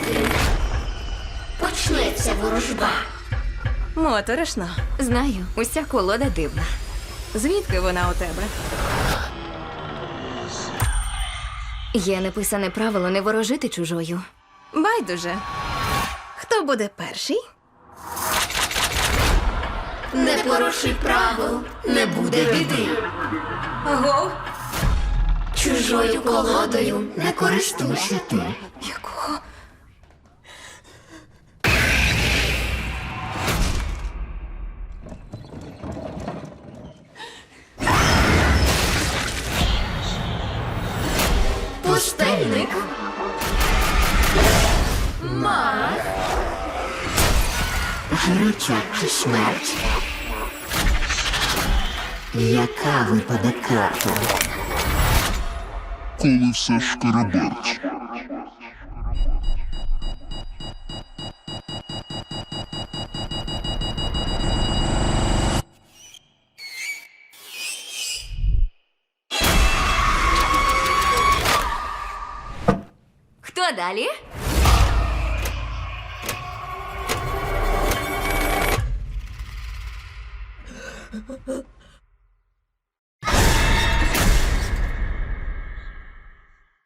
бити. Почнеться ворожба. Моторошно. Знаю, уся колода дивна. Звідки вона у тебе? Є неписане правило не ворожити чужою. Байдуже. Хто буде перший? Не порушуй правил, не буде біди. Ого! Чужою колодою не користуйся ти. Якого? Пустельник. Мах. Гарячок чи смерть? Яка випаде карта? Коли все шкараберч. Хто далі?